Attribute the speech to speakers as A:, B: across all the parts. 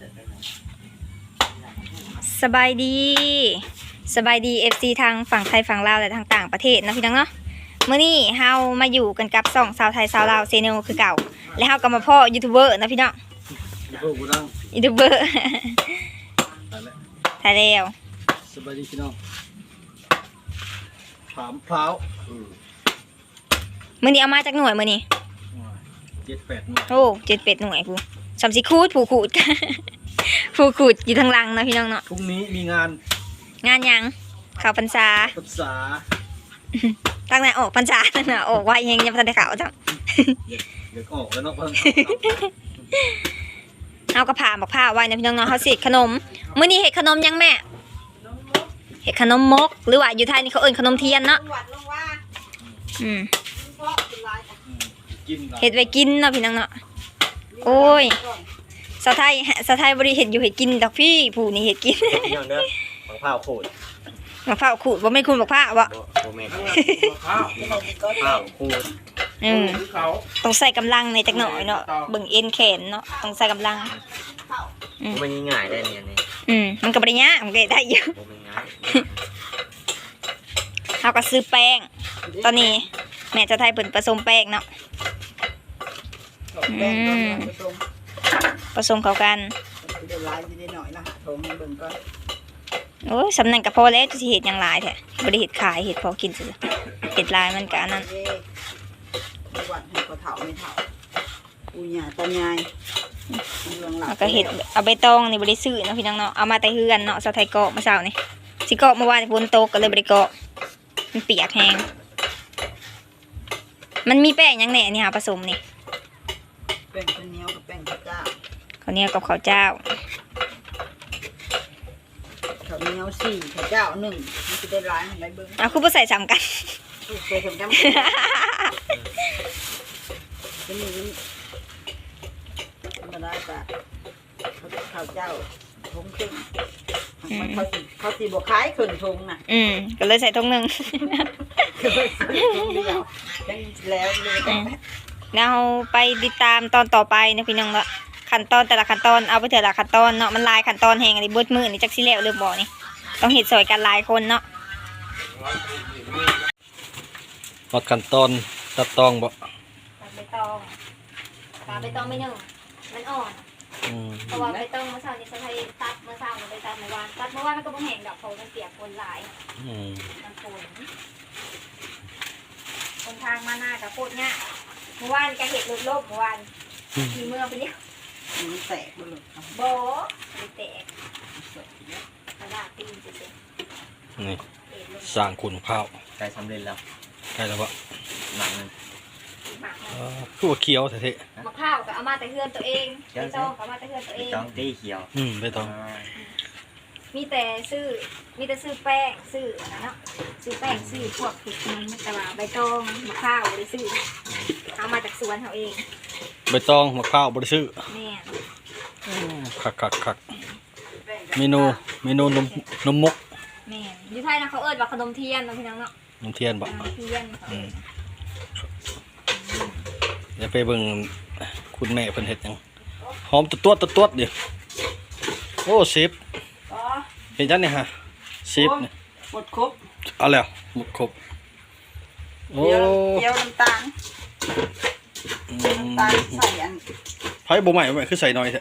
A: สบายดีFC ทางฝั่งไทยฝั่งลาวและทางต่างประเทศนะพี่น้องเนาะมื้อนี้เฮามาอยู่กันกับสองสาวไทยสาวลาวเซโนคือเก่าและเฮาก็มาพ่อยูทูบเบอร์นะพี่น้องยูทูบเบอร์ถ่ายแล้ว
B: สบายดีพี่น้องถามพร้าว
A: มื้อนี้เอามาจากหน่วยมื้อนี้
B: 7-8 หน่วย
A: โอ้7-8 หน่วยผู้สำสิคูดผู้ขูด ผู้ขูดอยู่ทางหลังนะพี่น้องเนาะ
B: พรุ่งนี้มีงาน
A: หยังเข้าพรรษาตั้งแต่ออกพรรษาตั้งแต่ออกว่ายังบ่ทันได้เข้าจ้ะ
B: เดี๋ยวออกแล้วเนาะ
A: เอากระผ่าบอกผ้าไว้นะพี่น้องๆเขาสิขนมมื้อนี้เฮ็ดขนมยังแม่เฮ็ดขนมมกหรือว่าอยู่ไทยนี่เขาเอิ้นขนมเทียนเนาะเฮ็ดไว้กินเนาะพี่น้องเนาะโอ้ยสาวไทยบ่ได้เฮ็ดอยู่เฮ็ดกินดอกพี่ผู้นี่เฮ็ดกิน
C: พี่น้องเด้อบักพร้าวโคตร
A: มะพร้าวขูดบ่แม่นคุณบักพร้าวบ่
C: แม่นพร้าวโคตร
A: ต้องใส่กำลังในจักหน่อยเนาะเบิ่งเอ็นแขนเนาะต้องใส่กำลัง
C: มันง่ายได้เนี่ยนี่
A: มันก็บ่ได้ยากมันก็ได้อยู่
C: มันง่าย
A: เฮาก็ซื้อแป้งตอนนี้แม่จะไทยเพิ่นผสมแป้งเนาะผสมเข้ากันโอ้ยสำนักก็พอแล้วจะสิเฮ็ดหยังหลายแท้บ่ได้เฮ็ดขายเฮ็ดพอกินซื่อเฮ็ดหลายมันก็อันนั้น
D: วันให้ก็เฒ่าไม่เฒ่าปูหญ้าตายาย
A: แล้วก็เฮ็ดเอาใบตองนี่บ่ได้ซื้อเนาะพี่น้องเนาะเอามาแต่เฮือนเนาะสาวไทยเกาะเมื่อเช้านี่สิเกาะเมื่อวานฝนตกก็เลยบ่ได้เกาะมันเปียกแฮงมันมีแป้งหยังแหน่นี่หาผสมนี่
D: แป้งข้าวเหนียวกับแป้งข้าวเจ้า
A: ข้าวเหนียวกับข้าวเจ้า
D: ข้าวเหนียว4ข้าวเจ้า1มันสิได้หลายมันได้เบิ่ง
A: เอาคือบ่ใส่ซ้ำกัน
D: ใส่กันจะมีธรรมดาจ้ะข้าวเจ้าทงครึ่งเขาสิบ่ขายครึ่งทงน่ะ
A: ก็เลยใส่ทงนึง
D: แล้ว
A: เราไปติดตามตอนต่อไปนะพี่น้องละขั้นตอนแต่ละขั้นตอนเอาไปแต่ละขั้นตอนเนาะมันลายขั้นตอนแหงอะไรเบิดมือนี่จักสิแล้วเริ่มบ่นี่ต้องเฮ็ดซอยกันหลายคนเนาะ
B: วัดขั้นตอนตัดตองบ่
A: ตัดใบตองไม่นึ่งมันอ่อนเพราะว่าใบตองเมื่อเช้านี้เขาให้ตัดเมื่อเช้ามันไปตัดเมื่อวานมันก็บ่แห้งดอกเพราะมันเปียกฝนหลายมันฝนคนทางมาหน้ากับโคตรง่ายเมื่อวานก็เห็ดลบเมื่อวานขี่เมื่อไปเนี่ย
D: มันแตกบ่หลุด
A: โบไม่แตกกระดาษตีนเฉย
B: ๆนี่สร้างคุณข้าว
C: ใกล้สำเร็จแล้ว
B: ใกล้แล้วบ่
C: หนังนึง
B: คือว่าเคี้ยวแท้
A: ๆมะพร้าวก็เอามาแต่เฮือนตัวเองใบตองก็เอามาแต่เฮือนตัวเอง
C: ใบตองตีเขียว
B: ใบตอง
A: มีแต่ซื้อแป้งซื้อเนาะซื้อแป้งซื้อพวกผิดมันแต่ว่าใบตองมะพร้าวบริซื้อเอามาจากสวนเขาเอง
B: ใบตองมะพร้าวบริซื้อ
A: แม่
B: คักเมนูนมมก
A: แม่อยู่ไทยนะเขาเอิ้นว่าขนมเทียนนะพี่น้องเนาะ
B: ขนมเทียนบ่
A: เทียน
B: เดี๋ยวไปเบิ่งคุณแม่เพิ่นเฮ็ดหยังหอมตัวดิโอ้10เห็นจังนี่ฮะ10นี่
D: หมดครบ
B: เอาแล้วหมดครบโอ้
D: เกี๊ยวน้ำตาลใส่อัน
B: ไผบ่ใหม่คือใส่น้อยแท้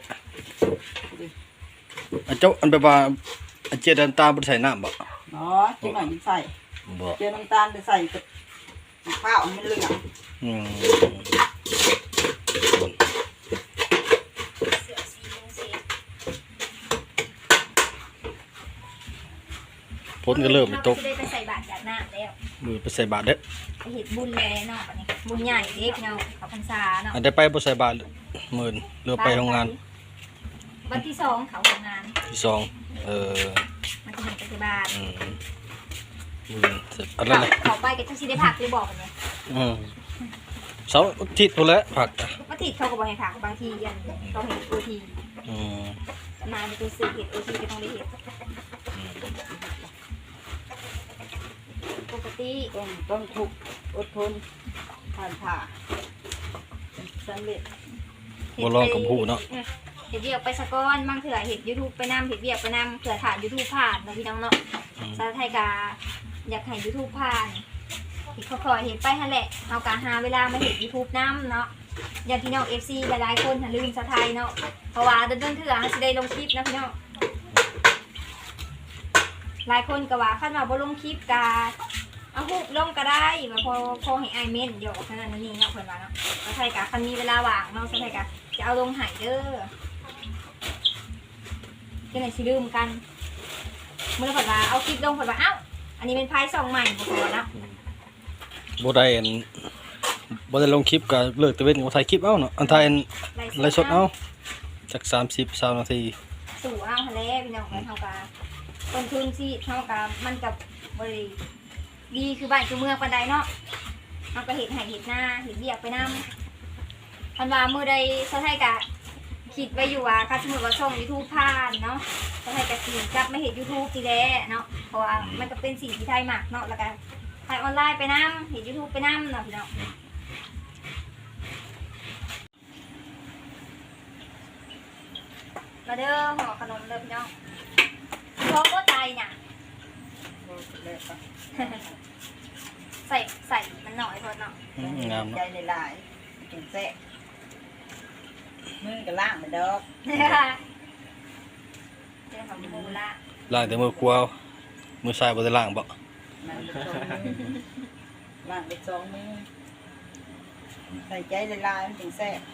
B: อันเจ้าอันแบบว่าอันเจียน้ำตาลบ่ใส่น้ำบ่
D: อ๋อจังหน่อยใส่เจียน้ำตาลไปใส่กับข้าวมันเหลือง
B: ฝนก็เริ่มตก
A: ไปใส่บาตรจากน้ำแล้ว
B: มือไปใส่บาตรเด้อ
A: ไปเฮ็ดบุญแล้วเนาะอันนี้บุญใหญ่เด้พี่น้องเขาพรรษาเนาะ
B: อันได้ไปบ่ใส่บาตรมื้อเรือไปโรงงาน
A: วันที่2เขาโรงงาน
B: ที่2
A: มันจะเห็นไปที่บ้าน
B: อันนั้นแหละ
A: เขาไปก็จังสิได้ผักหรือบอกกันเนี่ย
B: เสาร์อาทิตย์พุ่นแหละผัก
A: อาทิตย์เขาก็บ่ให้ผักบางทียันเขาเห็นโอทีมาไปซื้อเห็ดโอทีก็ต้องได้เห็ดปกติ
D: ต้องทุกอดทนผ่านผ่าสำเร็จ
B: บ่ลองกับผู้เนาะ
A: เห็ดเวียกไปสะก้อนบางเถื่อเห็ด YouTube ไปนำเห็ดเวียกไปนำเถื่อถ่าน YouTube ผ่านเนาะพี่น้องเนาะสาวไทยกาอยากให้ YouTube ผ่านเห็ดคอยๆเห็ดไปหั่นแหละเฮากะหาเวลามาเห็ด YouTube นำเนาะญาติพี่น้อง FC หลายๆคนหันลืมสาวไทยเนาะเพราะว่าเดินๆเถื่อเฮาสิได้ลงคลิปนะพี่น้องหลายคนก็ว่าคันว่าบ่ลงคลิปกะเอาฮูกลงก็ได้ว่าพอให้อ้ายเม่นเดี๋ยวขนาดนั้นนี่เนาะเพิ่นว่าเนาะสาวไทยกะคันมีเวลาว่างเนาะสาวไทยกะจะเอาลงให้เด้อจะไหนสิลืมกันเมื่อเพิ่นว่าเอาคลิปลงเพิ่นว่าเอ้าอันนี้เป็นไพ่ซองใหม่บ่พอเนาะ
B: บ่ได้บ่ได้ลงคลิปก็เลิกตะเวนก็ถ่ายคลิปเอาเนาะอันถ่ายไลฟ์สดเอาจัก30 นาที
A: สู่เอาทะเลพี่น้องเฮาก็ต้นทุนสิเฮาก็มันก็บ่ได้ดีคือบ้านคือเมืองปานใดเนาะเฮาก็เฮ็ดให้เฮ็ดหน้าเฮ็ดเวียกไปนำคันว่ามื้อใดสาวไทยก็คิดไว้อยู่ว่าถ้าสมมุติว่าช่อง YouTube ผ่านเนาะสาวไทยก็สิกลับมาเฮ็ด YouTube ทีแลเนาะเพราะว่ามันก็เป็นสิ่งที่ไทยมักเนาะแล้วก็ถ่ายออนไลน์ไปนำเฮ็ด YouTube ไปนำเนาะพี่น้องมาเด้อห่อขนมเด้อพี่น้องพร้อมก็ใจเนี่ย ใส่มันหน่อยพอเนาะ
B: งามเนาะ
D: ใจหลายๆจังแซ่บมือก็ล้างไปดอก
A: เจ้าของมูละ
B: ล้างแต่มือขวามือซ้ายบ่ได้ล้างบ่
D: มันไปสองมือล้างไปสองมือใส่ใจหลายๆมันจังแซ่บ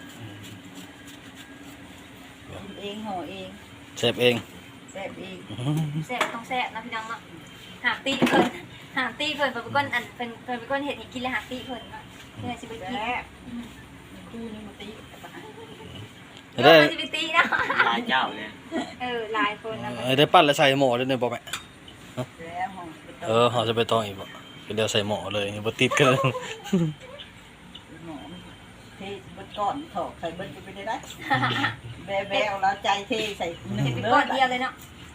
D: กินเองห่อเอง
B: เซฟเอง
D: แซ่บเอง
A: แซ่บต้องแซ่บนะพี่น้องเนาะหาตีเพิ่นเป็นก้นอันเป็นก้นเห็ดให้กินแล้วหาตีเพิ่นเนาะเพื่อสิไปกิน
D: แซ่บตู้นี้มาตีกับอาหาร
A: เดี๋ยวมันจะไปตีเนาะ
C: หลายเจ้าเลย
A: หลายคนนะ
B: ได้ปั้นแล้วใส่หม้อด้วยเนี่ยบ่แม่
D: แล้วห่อไปต้ม
B: เฮาจะไปต้องอีกบ่ก็เดี๋ยวใส่หม้อเลยบ่ติดกัน
D: หมอเทเบิดก้อนถอกใส่เบิดจะไปได้แบวแล้วใจเทใส่หนึ่ง
A: เห็ดเป็น
D: เด้
A: ก้
D: อ
A: อนเดียวเลยเนาะ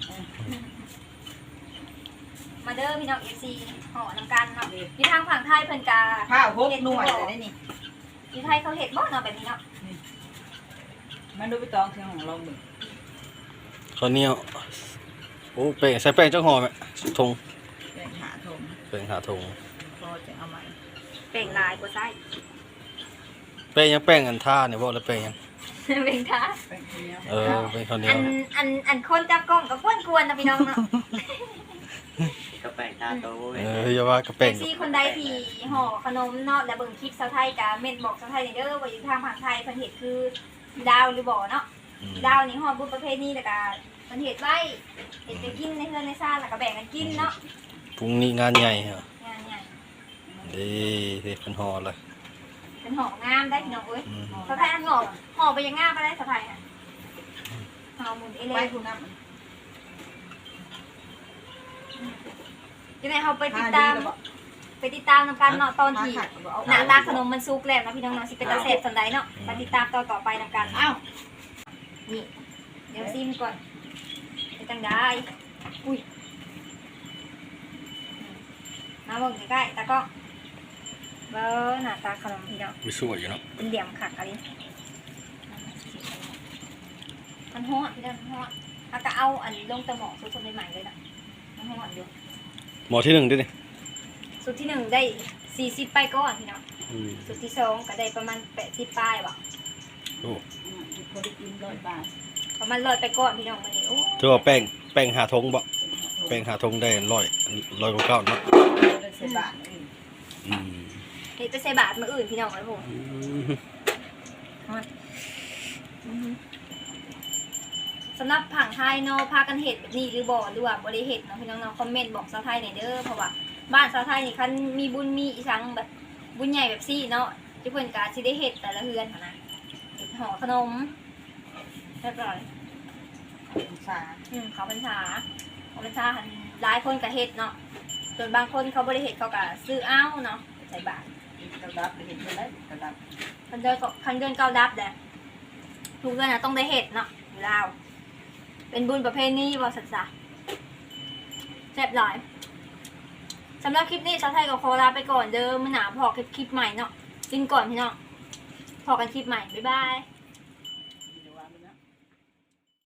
A: มาเด้อพี่น้อง FC ห่อน้ำกันเนาะอยู่ทางฝั่งไทยเพิ่นกา
D: ข้าวพกหน่วยเลยได้นี่
A: อยู่ไทยเขาเห็ดบ่เนาะแบบนี้เนาะ
D: มันดูไปตองเชียงของเราหนึ่ง
B: ข้าวเหนียวโอ้แป้งใส่แป้งจักห่อแม่ทง
D: แบ่งหาทง
B: แป้งหาทง
D: พอจะเอาใหม่
A: เป่งลายกว่าไส้
B: แป้งยังแป้งอันท่าเนี่ยบ่แล้วแป้งยัง
A: เป่งท้า
D: แบ่งเนี้ย
B: เป็นข้าวเหนีย
A: อั
B: วน
A: อันคนจับกล้องก็กวนๆนะพี่น้องเนาะ
C: ก็แปลงตาโตเว้ย
B: อย่าว่าก็
A: แท็
B: แป้ง
A: กซี่คนใดที่ห่อขนมเนาะและเบิ่งคลิปสาวไทยกะเม่นบอกสาวไทยเด้อว่าอยู่ทางฝั่งไทยเพิ่นเฮ็ดคือดาวหรือบ่เนาะดาวนี่ห่อบุญประเภทนี้แล้วก็เพิ่นเฮ็ดไว้เฮ็ดไปกินในเฮือนในซ่านแล้วก็แบ่งกันกินเนาะ
B: พรุ่งนี้งานใหญ่ฮะ
A: งานใหญ่
B: ดีเด็กเป็นห่อเลย
A: เป็นห่องามได้พี่น้องเอ้ยสาวไทยอันห่อไปยังงามบ่ได้สาวไทยอ่ะห่อหมุนเอเล
D: ไป
A: ย
D: คุณน้ำ
A: จังได๋เฮาไปติดตามนำกันเนาะตอนที่หน้าตาขนมมันสุกแล้วเนาะพี่น้องเนาะสิเป็นตาแซ่บสันใดเนาะมาติดตามตอนต่อไปนำกัน
D: อ้าว
A: นี่เดี๋ยวซิมก่อนเป็นจังได้อุ้ยมาเบิ่งใกล้ๆตากล้องเบิ่งหน้าตาขนมพี่น้อง
B: มีสวยอยู่เนาะ
A: เป็นเหลี่ยมขักอะไรมันฮ้อนพี่น้องมันฮ้อนถ้าก็เอาอันลงตะหมอกสูตรใหม่ๆเลยนะมันฮ้อนอยู่
B: หมอที่1ด้วยนี่
A: สูตรที่1ได้40ไปก่อนพี่น้องสูตรที่2ก็ได้ประมาณ80ปลายว่ะ
B: โอ้
D: พอได้กิน100 บาท
A: ประมาณ100ไปก่อนพี่น้องมื้อนี้โอ้
B: ถือว่าแป้งหาทงบ่แป้งหาทงได้100กว่าเก้าเนาะ
D: ได้10 บาท
A: เฮ็ดไปใส่บาตรมื้ออื่นพี่น้องเอ้ยผมสำหรับผังไทยเนาะพากันเฮ็ดแบบนี้หรือบ่หรือว่าบ่ได้เฮ็ดเนาะพี่น้องๆคอมเมนต์บอกชาวไทยหน่อยเด้อเพราะว่าบ้านชาวไทยนี่คันมีบุญมีอีสังแบบบุญใหญ่แบบซี่เนาะที่เพิ่นก็สิได้เฮ็ดแต่ละเฮือนหั่นนะเฮ็ดห่อขนมเรียบร้อย
D: สา
A: เขาพรรษาหันหลายคนก็เฮ็ดเนาะส่วนบางคนเขาบ่ได้เฮ็ดเขาก็ซื้อเอาเนาะใส่บาตร
D: กระดับไปเห็นไปแล้วกระดับ
A: คันเดือนเก้าดับแหละทุกเดือนน่ะต้องได้เฮ็ดเนาะอยู่ลาวเป็นบุญประเพณีบ่สัตว์ซะแซ่บหลายสำหรับคลิปนี้ชาวไทยก็ขอลาไปก่อนเด้อมื้อหน้าพอคลิปใหม่เนาะกินก่อนพี่น้องพอกันคลิปใหม่บ๊ายบาย